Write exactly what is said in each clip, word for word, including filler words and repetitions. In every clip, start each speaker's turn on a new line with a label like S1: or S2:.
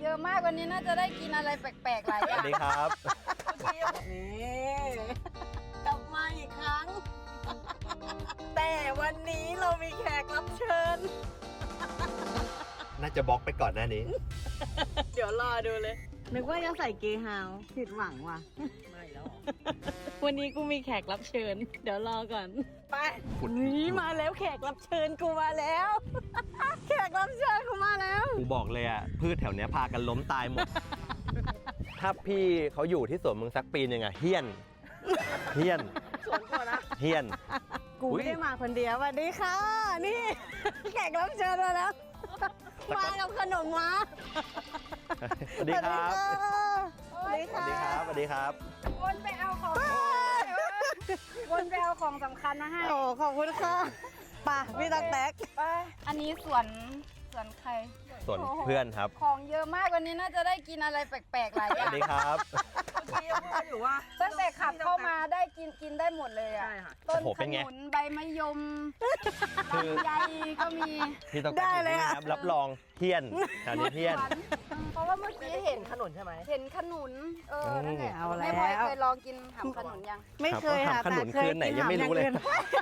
S1: เยอะมากวันนี้น่าจะได้กินอะไรแปลกๆหลายอ
S2: ส
S1: ย่า
S2: วั
S1: ง
S2: สดีครับ
S3: นี่กลับมาอีกครั้ง แต่วันนี้เรามีแขกรับเชิญ
S2: น่าจะบล็อกไปก่อนหน้านี้
S3: เดี๋ยวรอดูเลย นึกว่าจะใส่เกย์ฮาวผิดหวังว่ะ
S4: ไม่แล้ว
S3: วันนี้กูมีแขกรับเชิญ เดี๋ยวรอก่อน ไป
S2: ขุด
S3: นี่มาแล้วแขกรับเชิญกูมาแล้ว แขกรับเชิญกูมาแล้ว
S2: กูบอกเลยอ่ะพืชแถวเนี้ยพากันล้มตายหมด ถ้าพี่เขาอยู่ที่สวนมึงสักปีหนึ่งอ่ะเฮี้ยน เฮี้ยน
S4: สวนก่อนนะ
S2: เฮี้ยน
S3: กู
S2: อุ๊ย
S3: ไม่ได้มาคนเดียวสวัสดีค่ะ นี่ แขกรับเชิญมาแล้ว มากับขนมมา
S2: สวัสดีครับ
S3: สวัสดี
S2: สวัสดี
S3: ค่ะ
S2: ครับ สวัสดีครับ
S1: วนไปเอาของวนไปเอาของสำคัญมาให้
S3: โอ้ขอบคุณค่ะป่ะพี่ตั๊กแตก
S1: ไปอันนี้สวนสวนใคร
S2: ส่วนเพื่อนครับ
S1: ของเยอะมากวันนี้น่าจะได้กินอะไรแปลกๆหลายอ
S2: ส
S1: ย่า
S2: วั
S1: ง
S2: สดีครับ
S4: เมื่อกี้ยังพูดอยู่ว่า
S1: ตั้งแต่ขับเข้ามาได้กินกินได้หมดเลยอ่ะ
S4: ใช่ค่ะ
S1: ต้น
S2: โอ้โห
S1: ข
S2: เป็นไง
S1: นุนใบมะยม
S2: คือ
S1: ลำไยก็มี
S2: พี่ต้อง
S3: ได้เลย
S2: นี่
S3: อะ
S2: ครับรับรองเฮี้ยนแถวนี้เฮี้ยน
S1: หวานเพราะว่าเมื่อกี้เห็น
S4: ขนุนใช่ไหม
S1: เห็นขนุน เออ นั่นแหละ
S3: เอาแล้ว
S1: แม่พลอยเคยลองกินหำขนุนยัง
S3: ไม่เคย
S2: ครั
S3: ค่ะ
S2: บขนุน
S3: แต่
S2: คืนไหนยังไม่รู้เลย
S3: กินหำอางอื่น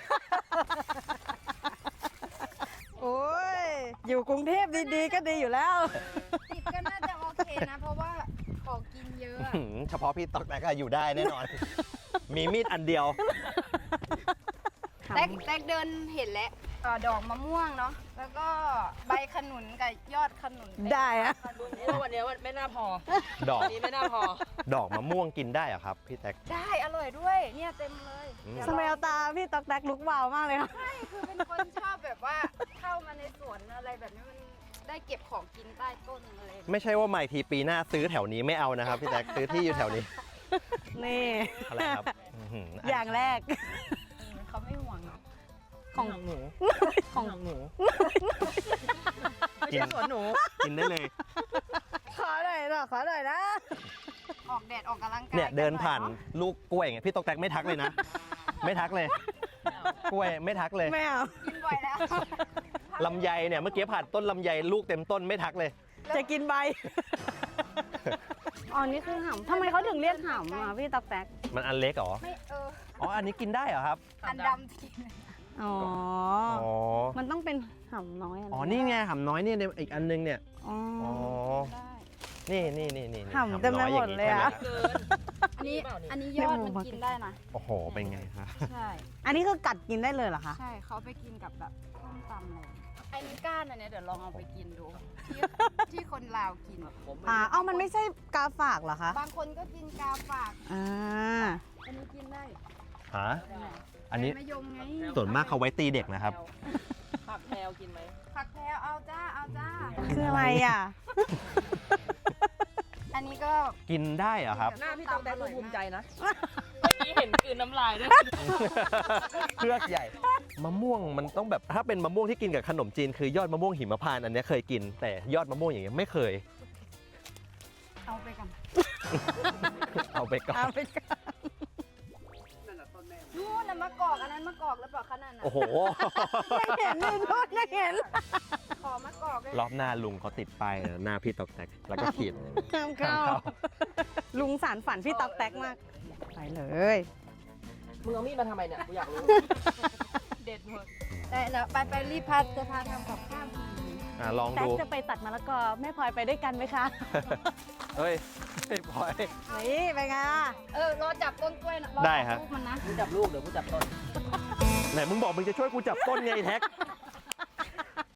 S3: โอ้ย อยู่กรุงเทพดีๆก็ดีอยู่แล้ว
S1: ติดก็น่าจะโอเคนะ เพราะว่าของกินเยอะอะ
S2: หืมเฉพาะพี่ตอกแตกอะอยู่ได้แน่นอน มีมีดอันเดียว
S1: แตกแตกเดินเห็นแล้วเอ่อดอกมะม่วงเนาะ แล้วก็ใบขนุนกับยอดขนุน
S3: ได้อะ
S4: วันนี้วันนี้ไม่น่าพอ
S2: ดอก
S4: วันนี้ไม่น่าพอ
S2: ดอกมะม่วงกินได้เหรอะครับ พี่แตก
S1: ได้อร่อยด้วย เนี่ยเต็มเลย
S2: อืม
S1: เดี๋ยว
S3: สมัย
S1: ล
S3: เอา
S1: อง
S3: ตาพี่ตั๊กแตกลุกวาวมากเลยค่ะ
S1: ใช่คือเป็นคนชอบแบบว่าเข้ามาในสวนอะไรแบบนี้มันได้เก็บของกินใต้ต้นอะไรแบบนี้
S2: ไม่ใช่ว่าใหม่ทีปีหน้าซื้อแถวนี้ไม่เอานะครับ พี่แตกซื้อที่อยู่แถวนี้
S3: นี่
S2: อะไรครับอื้อหือ
S3: อย่างแรก
S1: เออเขาไม่ห่วงเนาะ
S3: ของ
S4: หนู
S3: ของ
S4: หนูไม่ใช่สวนหนู
S2: กินได้เลย
S3: ขอหน่อยหน่อยขอหน่อยนะ
S1: ออกแดดออกกำลังกาย
S2: เนี่ยเดินผ่าน
S1: กัหอยเอะ
S2: ลูกกล้วยไงพี่ตอกแตกไม่ทักเลยนะ ไม่ทักเลย กล้วยไม่ทักเลย
S3: ไม่เอา
S1: กินบ่อยแล้ว
S2: ลำไยเนี่ยเมื่อกี้ผ่านต้นลำไยลูกเต็มต้นไม่ทักเลย
S3: จะกินใบ อ๋อ นี่คือห่ำทำไมเขาถึงเรียกห่ำอ่ะพี่ตั๊กแตก
S2: มันอันเล็กเหรอ
S1: ไม่เออ
S2: อ๋ออันนี้กินได้เหรอครับ
S1: อันดำกิน
S3: อ๋อ
S2: อ๋อ
S3: มันต้องเป็นห่ำน้อยะ
S2: อ๋อนี่ไงหำน้อยเนี่ยในอีกอันนึงเนี่ย
S3: อ๋อ
S2: อ๋อ
S1: ได้
S2: นี่นี่นี่นี่
S3: หำเต็มไปหมดเลยอะ
S2: หำน้อางนี้ใช่ไหม
S4: เกิน
S1: อันนี้
S4: เปล่านี่
S1: อันนี้ยอดมันกินได้นะ
S2: โอ้โหเป็นไงคะ
S1: ใช่
S3: อันนี้คือกัดกินได้เลยเหรอคะ
S1: ใช่เขาไปกินกับแบบส้มตำอะไรไอ้นี่ก้านอันเนี้ยเดี๋ยวลองเอาไปกินดู ที่ที่คนลาวกิน
S4: ผม
S3: อ่า เอ้ามันไม่ใช่กาฝากเหรอคะ
S1: บางคนก็กินกาฝาก
S3: อ่า
S1: อันนี้กินได้
S2: ฮะอันนี้
S1: ใบมะยมไง
S2: ส่วนมากเขาไว้ตีเด็กนะครับ
S4: ผักแพรวกินไหม
S1: ผักแพรวเอาจ้าเอาจ้า
S3: คืออะไรอ่ะ
S1: อันนี้ก็
S2: กินได้เหรอครับ
S4: หน้าพี่ต้องแดงดูภูมิใจนะเมื่อกี้เห็นกลืนน้ำลายด้วย
S2: เครือกใหญ่ มะม่วงมันต้องแบบถ้าเป็นมะม่วงที่กินกับขนมจีนคือยอดมะม่วงหิมพานต์อันเนี้ยเคยกิน แต่ยอดมะม่วงอย่างเงี้ยไม่เคย
S1: เอาไปกัน
S2: เอาไปก่อ
S3: เอา
S2: น
S3: ไปก่อน
S1: นู่นน่ะมะกอกอันนั้นมะกอกแล้วเปล่าขนาดนั้น
S2: โอ้โห
S3: ไม่เห็นเลยโทษไม่เห็น
S1: ขอมะกอกเลย
S2: รอบหน้าลุงเขาติดป้ายหน้าพี่ตอกแตกแล้วก็ขีด
S3: ห้ามเข้า ลุงสารฝันพี่ตั๊กแตกมาก ไปเลย
S4: มึงเอามีดมาทำไมเนี่ย กูอยากรู้
S1: เด็ดหมดแต่เดี๋ยวไปไปรีบพาจะพาทำกับข้าวกิน
S2: อ่ะลอง
S3: แตก
S2: ดู
S3: จะไปตัดมะละกอแม่พลอยไปด้วยกันไหมคะ
S2: เฮ้ยไม่พอย
S3: นี่ไปไงล่ะ
S1: เออรอจับต้นกล้วยนะรอ
S2: ได้
S1: จั
S2: ครับ
S1: ลูกมันนะ
S4: กูจับลูกเดี๋ยวกูจับต้น
S2: ไหนมึงบอกมึงจะช่วยกูจับต้นไงไอ้แท็ก